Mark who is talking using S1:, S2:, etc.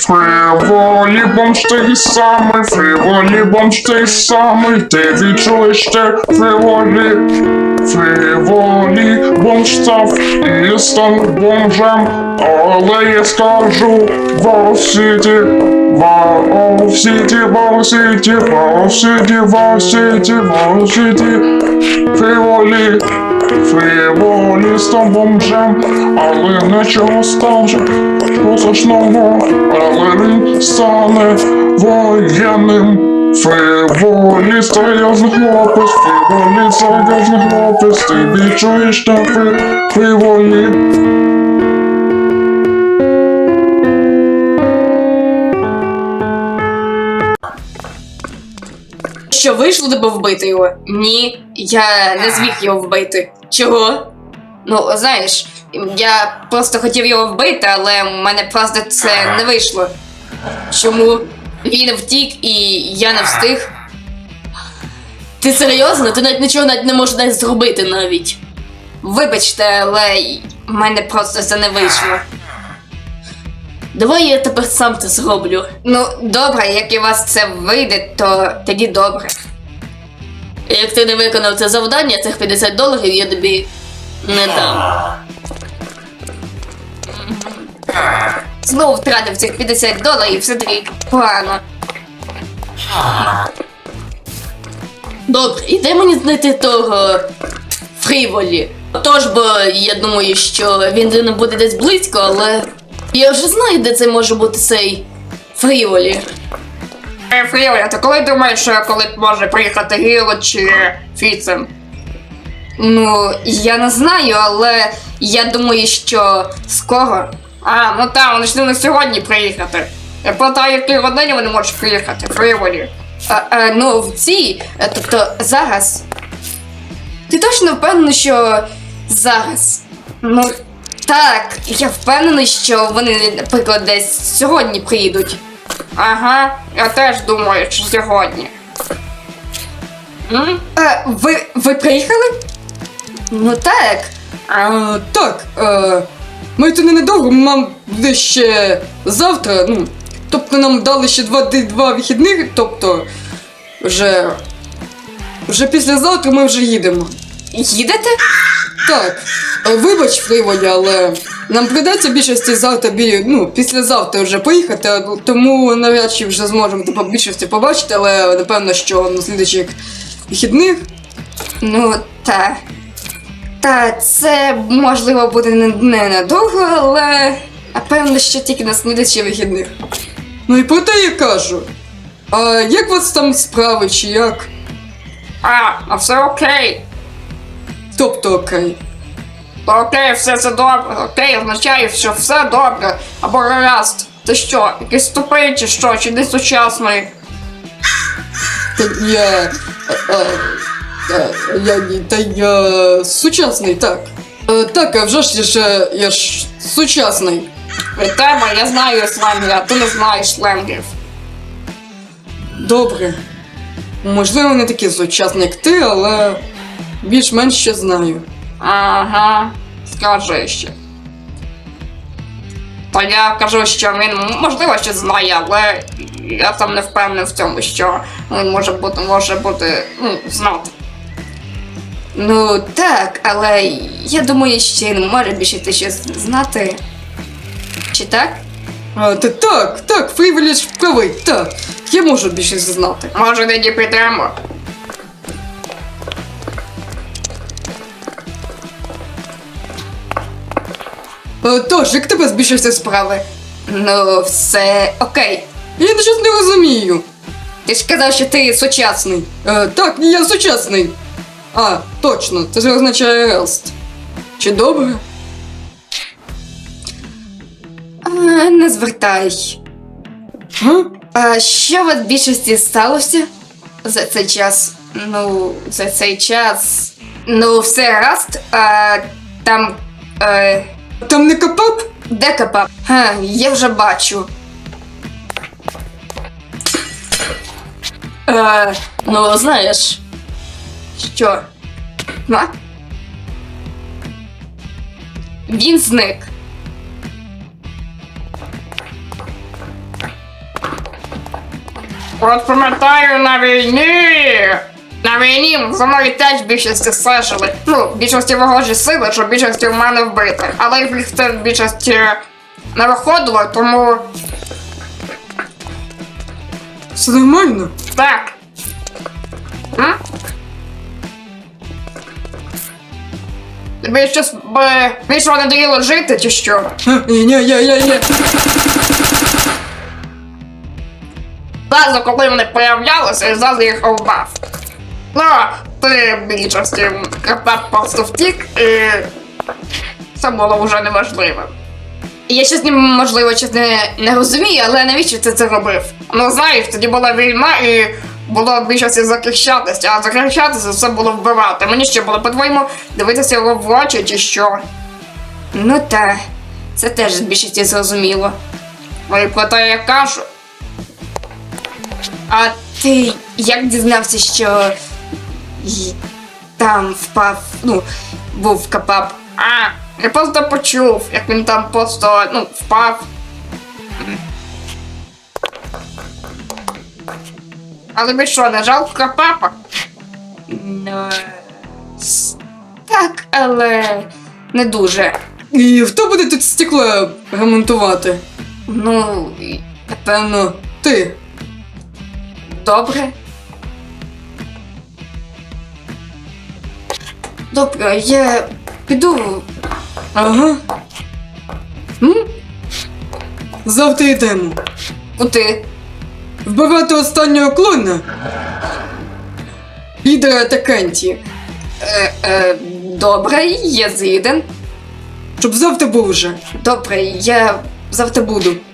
S1: Фриволі бомж той самий, фриволі бомж той самий, ти відчуєш те фриволі. Фриволі бомж став і став бомжем, але я скажу Вау-Сіті, Вау-Сіті, Вау-Сіті, Вау-Сіті, Вау-Сіті, Вау-Сіті. Фриволі, фриволі став бомжем, але нічого стаже позначного, але він стане воєнним. Фриволі серйозний хлопець, фриволі серйозний хлопець, ти відчуєш те фриволі.
S2: Що, вийшло тебе вбити його? Ні, я не зміг його вбити. Чого? Ну, знаєш, я просто хотів його вбити, але в мене просто це не вийшло. Чому? Він втік і я не встиг. Ти серйозно? Ти навіть нічого не можеш навіть зробити навіть. Вибачте, але в мене просто це не вийшло. Давай я тепер сам це зроблю. Ну, добре, як і у вас це вийде, то тоді добре. Як ти не виконав це завдання, цих $50 я тобі не дам. Знову втратив цих $50, все-таки погано. Добре, і де мені знайти того Фриволі? Тож, бо я думаю, що він не буде десь близько, але я вже знаю, де це може бути цей Фриволі.
S3: Фріволі, ти коли думаєш, що коли може приїхати Гіло чи Фіцем?
S2: Ну, я не знаю, але я думаю, що скоро.
S3: Ну так, вони ж не сьогодні приїхати. Я питаю, які годині вони можуть приїхати, Фріволі.
S2: Ну, в цій, тобто зараз. Ти точно впевнений, що зараз? Ну, так, я впевнений, що вони, наприклад, десь сьогодні приїдуть.
S3: Ага, я теж думаю, що сьогодні.
S2: Ви приїхали? Ну так.
S4: Так, ми тут ненадовго, нам буде ще завтра, ну, тобто нам дали ще два вихідних, тобто вже післязавтра ми вже їдемо.
S2: Їдете?
S4: Так, вибач, Фриволі, але нам прийдеться більшості завтра, післязавтра вже поїхати, тому навряд чи вже зможемо тебе більшості побачити, але напевно, що на слідуючих вихідних.
S2: Ну, так. Та це, можливо, буде ненадовго, але напевно, що тільки на слідуючих вихідних.
S4: Ну і про те я кажу. А як у вас там справи, чи як?
S3: Все окей.
S4: Тобто окей.
S3: Окей, все це добре. Окей, означає, що все добре. Або гаразд. Ти що, якийсь тупий чи що, чи не сучасний?
S4: Я сучасний, так. Так, а вже ж я ж сучасний.
S3: Від тебе я знаю сленги, а ти не знаєш сленгів.
S4: Добре. Можливо, не такий сучасний, як ти, але більш-менш ще знаю.
S3: Ага, скажи ще. Та я кажу, що він, можливо, ще знає, але я там не впевнений в цьому, що він може бути, знати.
S2: Ну, так, але я думаю, що він може більше ти щось знати. Чи так?
S4: Так, Фриволі ж правий, так. Я можу більше знати.
S3: Може, тоді підемо?
S4: Тож, як тебе збільшився справи?
S2: Ну, все окей.
S4: Я щось не розумію.
S2: Ти ж казав, що ти сучасний.
S4: Так, я сучасний. Точно, це ж означає гаразд. Чи добре?
S2: Не звертай. А що у вас в більшості сталося за цей час? Ну, за цей час. Ну, все гаразд. Там.
S4: Там не капап?
S2: Де капап? Я вже бачу. Ну, знаєш. Що? Він зник.
S3: От пам'ятаю на війні. На війні за мною теж більшості стежили. Ну, більшості ворожі сили, що більшості в мене вбити. Але їх це в більшості не виходило, тому
S4: Все нормально?
S3: так. М? Тобі щось більше надоїло жити, чи що?
S4: Ні.
S3: Зразу, коли вони появлялися, я зразу їх обрав. Ну, ти в більшості крапак просто втік, і це було вже неважливо.
S2: Я щось можливо щось не розумію, але навіщо ти це робив?
S3: Ну, знаєш, тоді була війна і було в більшості захищатися, а захищатися це було вбивати. Мені ще було, по-твоєму, дивитися його в очі чи що.
S2: Ну та, це теж з більшості зрозуміло.
S3: Ну і про те я кажу.
S2: А ти як дізнався, що там впав, ну, був капап?
S3: А, я просто почув, як він там просто, впав. Але тобі що, не жалко Крапапа?
S2: Ну, так, але не дуже.
S4: І хто буде тут стекло ремонтувати?
S2: Ну,
S4: Напевно, ти.
S2: добре. Добре, я піду.
S4: Ага. Завтра йдемо.
S2: Куди?
S4: Вбивати останнього клона. Лідера Атаканті.
S2: Добре, я згіден.
S4: Щоб завтра був вже.
S2: Добре, я завтра буду.